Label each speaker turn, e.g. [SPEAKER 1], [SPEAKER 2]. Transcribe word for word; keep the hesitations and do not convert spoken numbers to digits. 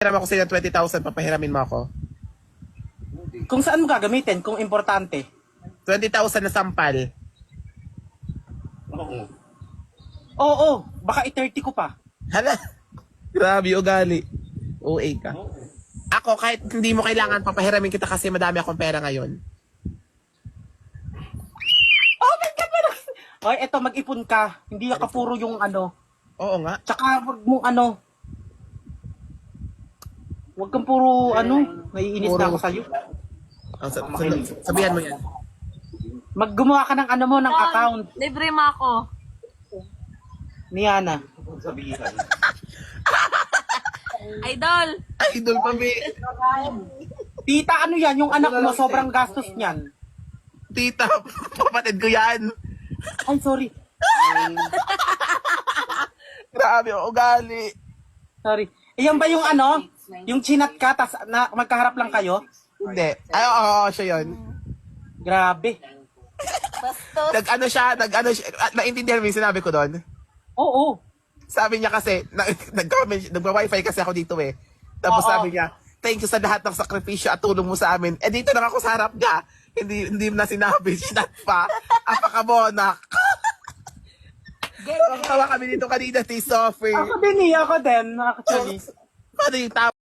[SPEAKER 1] Hiram ako sa'yo ng twenty thousand, papahiramin mo ako.
[SPEAKER 2] Kung saan mo gagamitin, kung importante.
[SPEAKER 1] twenty thousand na sampal.
[SPEAKER 2] Oo. Oo, baka i-thirty ko pa.
[SPEAKER 1] Hala, grabe ugali. O A ka. Ako, kahit hindi mo kailangan, papahiramin kita kasi madami akong pera ngayon.
[SPEAKER 2] Oh my God! Parang... Oy, eto, mag-ipon ka. Hindi ka puro yung ano.
[SPEAKER 1] Oo nga.
[SPEAKER 2] Tsaka wag mong ano. Huwag kang puro ano. Naiinis
[SPEAKER 1] Puro-
[SPEAKER 2] na ako sa'yo.
[SPEAKER 1] Oh, sa- sa- sabihan mo yan.
[SPEAKER 2] Maggumawa ka ng ano mo, ng account.
[SPEAKER 3] Libre mo ako.
[SPEAKER 2] Ni Ana.
[SPEAKER 3] Idol.
[SPEAKER 1] Idol pa, be.
[SPEAKER 2] Tita, ano yan? Yung anak mo, sobrang gastos niyan.
[SPEAKER 1] Tita, kapatid ko yan.
[SPEAKER 2] Ay, sorry.
[SPEAKER 1] Grabe, ugali.
[SPEAKER 2] Sorry. Iyan ba yung ano? Yung chinat ka, tas na, magkaharap lang kayo?
[SPEAKER 1] Hindi. Ay, oo, oo, siya yun.
[SPEAKER 2] Grabe.
[SPEAKER 3] Bastos.
[SPEAKER 1] Nag-ano siya, nag-ano siya, ah, naintindihan mo yung sinabi ko doon?
[SPEAKER 2] Oo.
[SPEAKER 1] Sabi niya kasi, na, nag-comment, nagwa-wifi kasi ako dito eh. Tapos
[SPEAKER 2] Oo.
[SPEAKER 1] sabi niya, thank you sa lahat ng sakripisyo at tulong mo sa amin. Eh dito lang ako sa harap niya. Hindi hindi mo na sinabi, sinat pa. Apakabonak. Ang tawa kami dito kanina, T. Sophie.
[SPEAKER 2] Ako din eh, ako din, actually.
[SPEAKER 1] Paano yung tama?